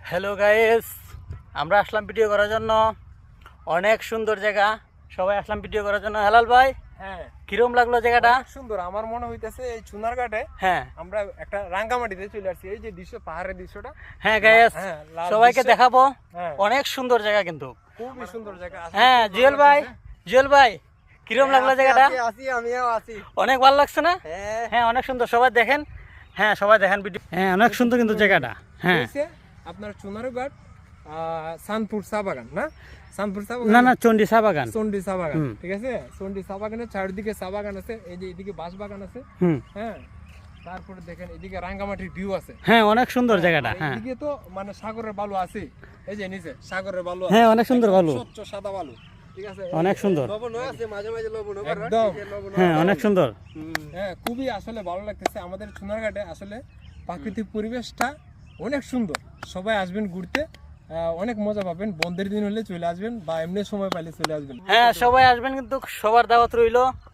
Hello guys, আমরা আসলাম video করার জন্য। অনেক সুন্দর জায়গা, সবাই আসলাম ভিডিও করার জন্য। হেলাল ভাই, হ্যাঁ, কিরম লাগলো জায়গাটা? অনেক সুন্দর। আমার মনে হইতেছে এই চুনারঘাটে হ্যাঁ আমরা একটা রাঙ্গামাটিতে চলে আসছি। এই যে দৃশ্য, পাহাড়ের দৃশ্যটা, হ্যাঁ গাইস, হ্যাঁ, লাল সবাইকে দৃশ্য। দেখাবো। হ্যাঁ, অনেক সুন্দর জায়গা কিন্তু। খুবই সুন্দর জায়গা। হ্যাঁ জুয়েল ভাই, জুয়েল ভাই কিরম লাগলো জায়গাটা? আমিও আছি। অনেক ভালো লাগছে না? হ্যাঁ, হ্যাঁ অনেক সুন্দর, সবাই দেখেন। হ্যাঁ সবাই দেখেন ভিডিও। হ্যাঁ অনেক সুন্দর কিন্তু জায়গাটা। হ্যাঁ হইছে আপনার চুনারঘাট সানপুর চা বাগান, না সানপুর চা বাগান, না না, চন্ডী চা বাগান। চন্ডী চা বাগান, হুম। ঠিক আছে। চন্ডী চা বাগানের চারিদিকে চা বাগান আছে। এই যে এদিকে বাঁশ বাগান আছে। হুম, হ্যাঁ, তারপরে দেখেন এদিকে রাঙ্গামাটির ভিউ আছে। হ্যাঁ অনেক সুন্দর জায়গাটা। আর হ্যাঁ এদিকে তো মানে সাগরের বালু আছে। এই যে নিচে সাগরের বালু আছে। হ্যাঁ অনেক সুন্দর একদম বালু, স্বচ্ছ সাদা বালু, ঠিক আছে। অনেক সুন্দর। লবণও আছে, মাঝে মাঝে লবণও করে, একদম। হ্যাঁ অনেক সুন্দর। হ্যাঁ, খুবই আসলে ভালো লাগতেছে। আমাদের চুনারঘাটে আসলে প্রাকৃতিক পরিবেশটা অনেক সুন্দর। সবাই আসবেন ঘুরতে, অনেক মজা পাবেন। বন্ধের দিন হলে চলে আসবেন, বা এমনি সময় পাইলে চলে আসবেন। হ্যাঁ সবাই আসবেন, কিন্তু সবার দাওয়াত রইলো।